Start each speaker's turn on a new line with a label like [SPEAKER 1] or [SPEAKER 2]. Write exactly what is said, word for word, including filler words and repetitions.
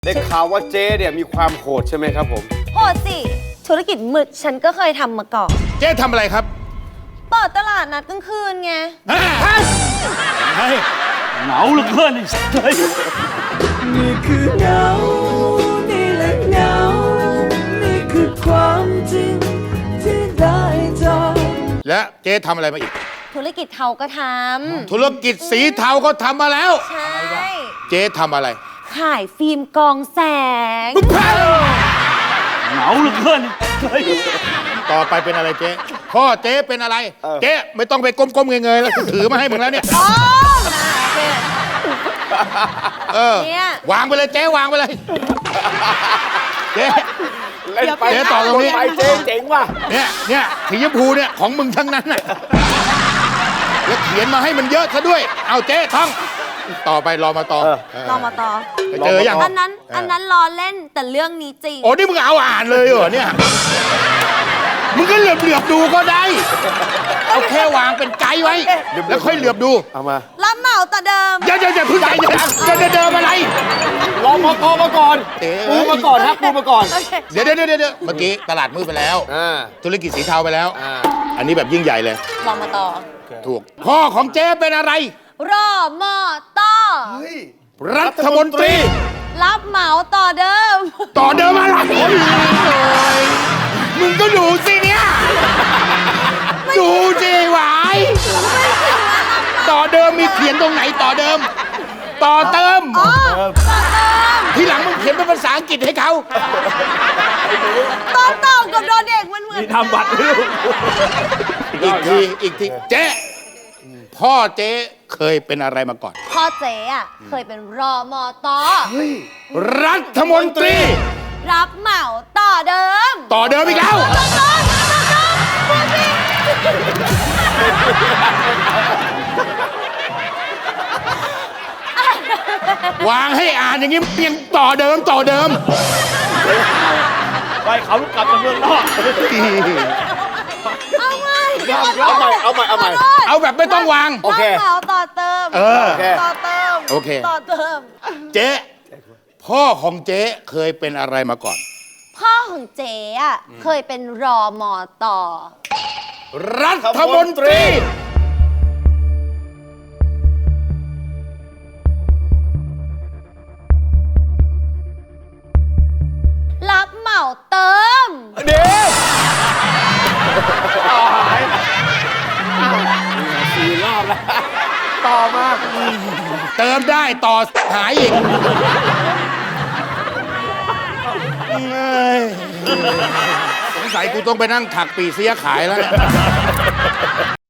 [SPEAKER 1] ได้ข่าวว่าเจ๊เนี่ยมีความโหดใช่ไหมครับผม
[SPEAKER 2] โหดสิธุรกิจหมึกฉันก็เคยทำมาก่อน
[SPEAKER 3] เจ๊ทำอะไรครับ
[SPEAKER 2] เปิดตลาดนัดกลางคืนไง
[SPEAKER 3] เฮ้ย
[SPEAKER 4] เหงาเหลือเกินเฮ้ย
[SPEAKER 5] นี่คือเหงานี่แหละเหงานี่คือความจริงที่ได้เจอ
[SPEAKER 3] และเจ๊ทำอะไรมาอีก
[SPEAKER 2] ธุรกิจเทาก็ทำ
[SPEAKER 3] ธุรกิจสีเทาก็ทำมาแล้ว
[SPEAKER 2] ใช่
[SPEAKER 3] เจ๊ทำอะไร
[SPEAKER 2] ขายฟิล์มกองแสง
[SPEAKER 4] เหงาเหลือเกินเฮ้ย
[SPEAKER 3] ต่อไปเป็นอะไรเจ๊พ่อเจ๊เป็นอะไรเจ๊ไม่ต้องไปก้มๆเงยๆแล้วถือมาให้มึงแล้วเนี่ยเออวางไปเลยเจ๊วางไปเลยเจ๊
[SPEAKER 1] เล่นไปเจ๊ต่อตรงนี้เจ๊เจ๋งว่ะ
[SPEAKER 3] เนี่ยเนี่ยสีชมพูเนี่ยของมึงทั้งนั้นน่ะแล้วเขียนมาให้มันเยอะซะด้วยเอาเจ๊ท่องต่อไปรอมาต่อ
[SPEAKER 2] รอมาต่อ
[SPEAKER 3] เจออย่าง
[SPEAKER 2] อันนั้นอันนั้นรอเล่นแต่เรื่องนี้จริง
[SPEAKER 3] โอ้นี่มึงเอาอ่านเลยเหรอเนี่ยมึงก็เหลือบเหลือบดูก็ได้เอาแค่วางเป็นไกด์ไว้แล้วค่อยเหลือบดู
[SPEAKER 1] เอามา
[SPEAKER 2] รับเหมาแต่เดิม
[SPEAKER 3] อย่าอย่าอย่าพึ่งใจอย่าอย่าเดิมอะไร
[SPEAKER 1] ลองมาพอมาก่อนปูมาก่อนครับปูมาก่อน
[SPEAKER 3] เดี๋ยวเดี๋ยวเดี๋ยวเดี๋ยวเมื่อกี้ตลาดมืดไปแล้วธุรกิจสีเทาไปแล้วอันนี้แบบยิ่งใหญ่เลย
[SPEAKER 2] ลองมาต่อ
[SPEAKER 3] ถูกพ่อของเจ๊เป็นอะไร
[SPEAKER 2] รอมอต่อ
[SPEAKER 3] รัฐมนตรี
[SPEAKER 2] รับเหมาต่อเดิม
[SPEAKER 3] ต่อเดิมอะไรมึงก็ดูสิเนี่ยดูสิหวายต่อเดิมมีเขียนตรงไหนต่อเดิมต่อเติม
[SPEAKER 2] ต่อเติม
[SPEAKER 3] ทีหลังมึงเขียนเป็นภาษาอังกฤษให้เขา
[SPEAKER 2] ต่อเติมกับดอเด็กมันเหมือน
[SPEAKER 4] ทำบัตร
[SPEAKER 3] อีกทีอีกทีเจ๊พ่อเจ๊เคยเป็นอะไรมาก่อน
[SPEAKER 2] พ่อเจ๊อะเคยเป็นรอมอตอ
[SPEAKER 3] รัฐมนตรี
[SPEAKER 2] รับเหมาต่อเดิม
[SPEAKER 3] ต่อเดิมอีกแล้ววางให้อ่านอย่างนี้ยังต่อเดิมต่อเดิม
[SPEAKER 4] ไปเขาลูกกลับจากเมืองนอก
[SPEAKER 2] เอาใหม่
[SPEAKER 1] เอาใหม่เอาใหม่เอาใหม่
[SPEAKER 3] เอาแบบไม่ต้องวาง
[SPEAKER 1] โอเค
[SPEAKER 2] รับเหมาต่อเติม
[SPEAKER 3] เออ
[SPEAKER 2] ต่อเติม
[SPEAKER 3] โอเค
[SPEAKER 2] ต่อเติม
[SPEAKER 3] เจ๊พ่อของเจ๊เคยเป็นอะไรมาก่อน
[SPEAKER 2] พ่อของเจ๊อะเคยเป็นรอมอต่อ
[SPEAKER 3] รัฐมนตรี
[SPEAKER 2] รับเหมาเติม
[SPEAKER 1] เดี๋ยวสี่รอบแล้วต่อมา
[SPEAKER 3] เติมได้ต่อหายอีกสงสัยกูต้องไปนั่งถักปีเสียขายแล้ว